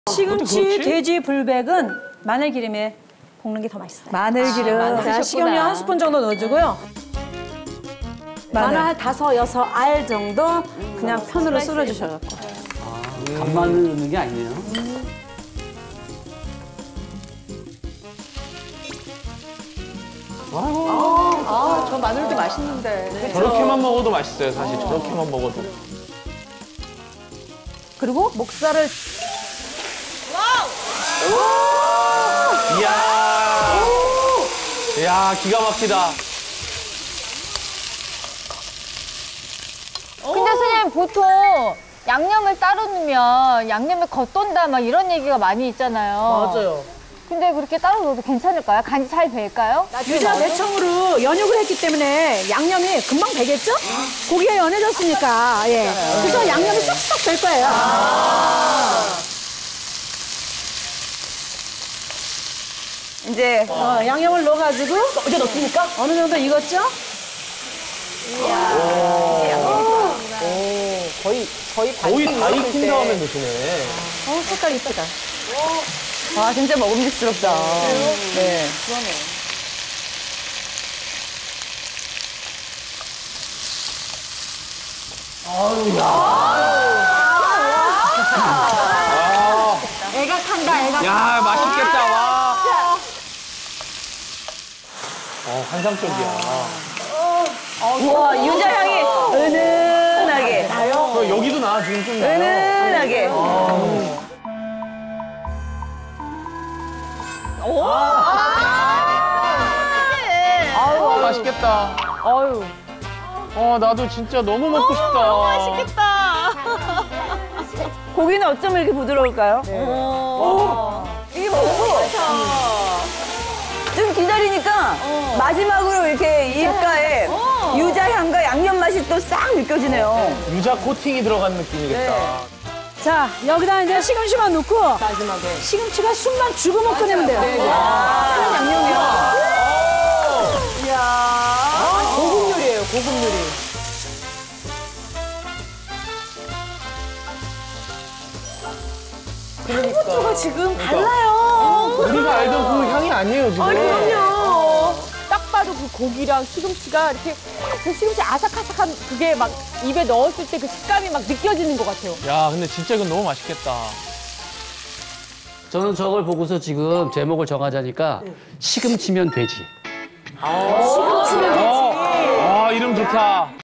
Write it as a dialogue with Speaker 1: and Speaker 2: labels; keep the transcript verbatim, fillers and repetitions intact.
Speaker 1: 시금치 돼지 불백은 마늘 기름에 볶는 게 더 맛있어요.
Speaker 2: 마늘 기름.
Speaker 1: 아, 자, 식용유 한 스푼 정도 넣어주고요. 마늘, 마늘 한 다섯, 여섯 알 정도 그냥 음, 편으로 썰어주셔갖고.
Speaker 3: 아, 간마늘 넣는 게 아니네요. 음.
Speaker 2: 아, 아, 저 마늘도 맛있는데.
Speaker 4: 그쵸? 저렇게만 먹어도 맛있어요, 사실. 어. 저렇게만 먹어도.
Speaker 1: 그리고 목살을.
Speaker 4: 와우! 이야. 이야, 기가 막히다.
Speaker 5: 근데 선생님 보통 양념을 따로 넣으면 양념이 겉돈다 막 이런 얘기가 많이 있잖아요.
Speaker 2: 맞아요.
Speaker 5: 근데 그렇게 따로 넣어도 괜찮을까요? 간이 잘 배일까요?
Speaker 1: 유자 대청으로 연육을 했기 때문에 양념이 금방 배겠죠? 고기가 연해졌으니까. 예. 그래서 양념이 쏙쏙 될 거예요. 아
Speaker 2: 이제
Speaker 1: 어, 양념을 넣어가지고 이제 넣습니까? 어느 정도 익었죠?
Speaker 2: 이야. 오, 거의 거의
Speaker 4: 거의 다 익힌 다음에 넣으시네.
Speaker 1: 어, 색깔 이쁘다.
Speaker 2: 아, 진짜 먹음직스럽다. 네.
Speaker 5: 그러네.
Speaker 4: 아유, 야.
Speaker 5: 아. 애각한다, 애각.
Speaker 4: 야, 맛있겠다, 와. 어, 환상적이야.
Speaker 2: 우와, 유자 향이 은은하게.
Speaker 4: 어, 여기도 나, 지금 좀 나요.
Speaker 2: 은은하게.
Speaker 5: 오!
Speaker 4: 아유, 맛있겠다.
Speaker 5: 아유.
Speaker 4: 어, 나도 진짜 너무 먹고 싶다. 너무 맛있겠다.
Speaker 2: 고기는 어쩜 이렇게 부드러울까요? 네. 오. 이게 먹고 좀 기다리니까
Speaker 5: 어.
Speaker 2: 마지막으로 이렇게 입가에
Speaker 5: 어.
Speaker 2: 유자 향과 양념 맛이 또 싹 느껴지네요.
Speaker 4: 유자 코팅이 들어간 느낌이겠다.
Speaker 1: 자, 여기다 이제 시금치만 넣고 마지막에 시금치가 숨만 죽으면 끓이면 돼요.
Speaker 2: 네, 네. 아, 양념이요. 이야.
Speaker 1: 고급 요리예요, 고급 요리.
Speaker 2: 그러니까. 지금 달라요.
Speaker 4: 우리가 알던 그 향이 아니에요, 지금.
Speaker 2: 그럼요.
Speaker 6: 딱 봐도 그 고기랑 시금치가 이렇게 그 시금치 아삭아삭한 그게 막 입에 넣었을 때 그 식감이 막 느껴지는 것 같아요.
Speaker 4: 야, 근데 진짜 이건 너무 맛있겠다.
Speaker 3: 저는 저걸 보고서 지금 제목을 정하자니까 시금치면 돼지.
Speaker 4: 아, 이름 좋다.